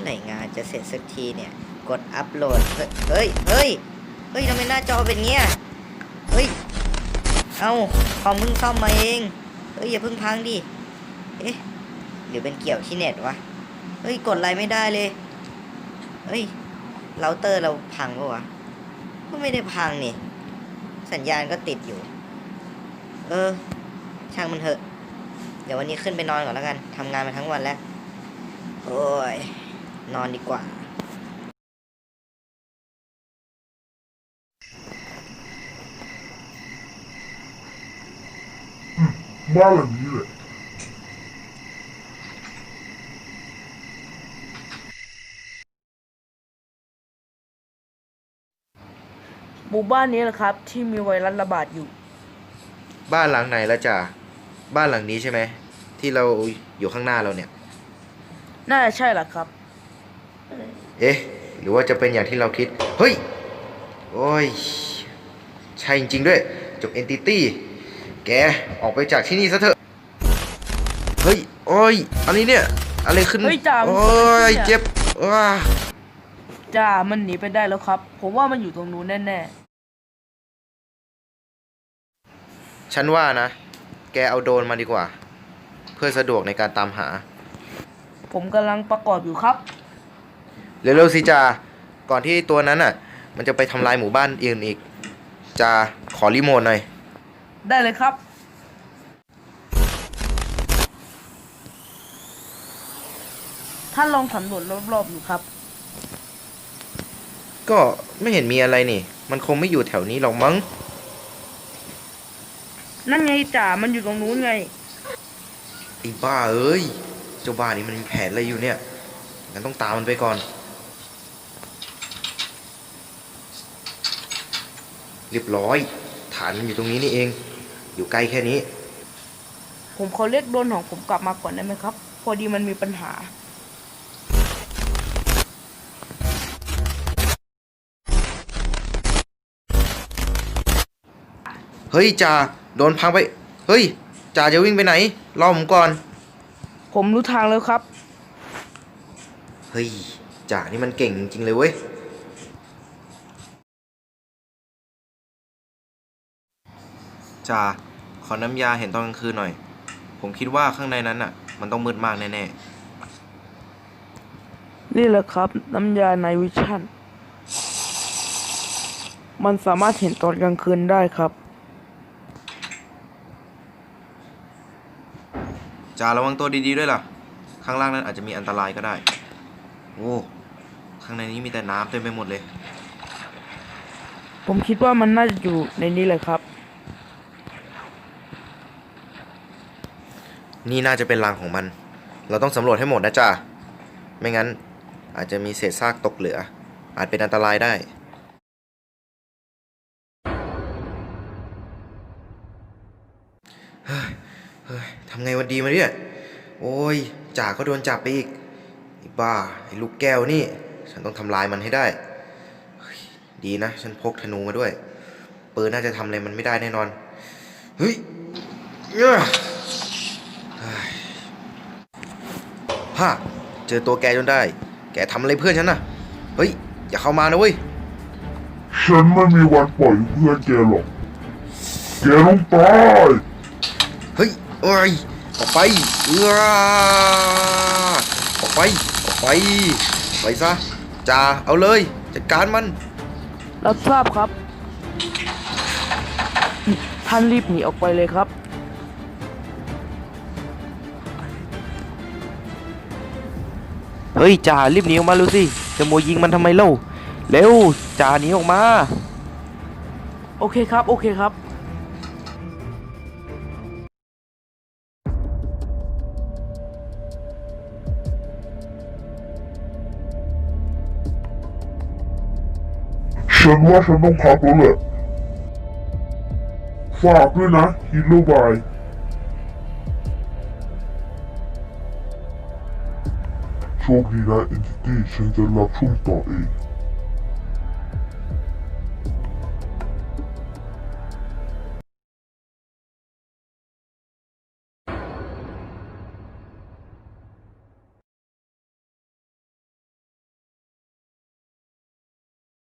ไหร่งานจะเสร็จสักทีเนี่ยกดอัปโหลดเฮ้ยเฮ้ยเฮ้ยทำไมหน้าจอเป็นเงี้ยเฮ้ยเอาคอมเพิ่งซ่อมมาเองเฮ้ยอย่าเพิ่งพังดิเอ๊ะหรือเป็นเกี่ยวที่เน็ตวะเฮ้ยกดอะไรไม่ได้เลยเฮ้ยเราเตอร์เราพังปะวะก็ไม่ได้พังนี่สัญญาณก็ติดอยู่ช่างมันเถอะเดี๋ยววันนี้ขึ้นไปนอนก่อนแล้วกันทำงานมาทั้งวันแล้วโอ้ยนอนดีกว่าบ้านหลังนี้แหละหมู่บ้านนี้แหละครับที่มีไวรัสระบาดอยู่บ้านหลังไหนละจ่าบ้านหลังนี้ใช่ไหมที่เราอยู่ข้างหน้าเราเนี่ยน่าจะใช่แหละครับเอ๊ะหรือว่าจะเป็นอย่างที่เราคิดเฮ้ยโอ้ยใช่จริงๆด้วยจบเอนติตี้แกออกไปจากที่นี่ซะเถอะเฮ้ยโอ้ยอันนี้เนี่ยอะไรขึ้นเฮ้ยจ่าโอ้ยเจ็บว้าจ่ามันหนีไปได้แล้วครับผมว่ามันอยู่ตรงนู้นแน่ฉันว่านะแกเอาโดรนมาดีกว่าเพื่อสะดวกในการตามหาๆผมกำลังประกอบอยู่ครับเร็วๆสิจ่าก่อนที่ตัวนั้นอ่ะมันจะไปทำลายหมู่บ้านอื่นอีกจ่าขอรีโมทหน่อยได้เลยครับท่านลองสำรวจรอบๆอยู่ครับก็ไม่เห็นมีอะไรนี่มันคงไม่อยู่แถวนี้หรอกมั้งนั่นไงจ่ามันอยู่ตรงนู้นไงไอ้บ้าเอ้ยเจ้าบ้านี่มันมีแผนอะไรอยู่เนี่ยงั้นต้องตามมันไปก่อนเรียบร้อยฐานมันอยู่ตรงนี้นี่เองอยู่ใกล้แค่นี้ผมขอเรียกโดรนของผมกลับมาก่อนได้ไหมครับพอดีมันมีปัญหาเฮ้ยจ่าโดนพังไปเฮ้ยจ่าจะวิ่งไปไหนรอผมก่อนผมรู้ทางแล้วครับเฮ้ยจ่านี่มันเก่งจริงๆเลยเว้ยจ่าขอน้ำยาเห็นตอนกลางคืนหน่อยผมคิดว่าข้างในนั้นอ่ะมันต้องมืดมากแน่ๆนี่แหละครับน้ำยาไนท์วิชั่นมันสามารถเห็นตอนกลางคืนได้ครับจ่าระวังตัวดีๆด้วยล่ะข้างล่างนั้นอาจจะมีอันตรายก็ได้โอ้ข้างในนี้มีแต่น้ำเต็มไปหมดเลยผมคิดว่ามันน่าจะอยู่ในนี้เลยครับนี่น่าจะเป็นรังของมันเราต้องสำรวจให้หมดนะจ่าไม่งั้นอาจจะมีเศษซากตกเหลืออาจเป็นอันตรายได้เฮ้ยทำไงวันดีมาเนี่ยโอ้ยจ่าก็โดนจับไปอีกไอ้บ้าไอ้ลูกแก้วนี่ฉันต้องทำลายมันให้ได้ดีนะฉันพกธนูมาด้วยปืนน่าจะทำอะไรมันไม่ได้แน่นอนเฮ้ยฮ่าเจอตัวแกจนได้แกทำอะไรเพื่อนฉันน่ะเฮ้ยอย่าเข้ามานะเว้ยฉันไม่มีวันปล่อยเพื่อนแกหรอกแกต้องตายเฮ้ยเอ้ยออกไปออกไปออกไปไปซะจ่าเอาเลยจัดการมันรับทราบครับท่านรีบหนีออกไปเลยครับเฮ้ยจ่ารีบหนีออกมาเร็วสิจะโมยิงมันทำไมเล่าเร็วจ่าหนีออกมาโอเคครับโอเคครับฉันว่าฉันต้องพักแล้วแหละฝากด้วยนะฮีโร่บายโชคดีนะเอนติตี้ฉันจะรับช่วงต่อเอง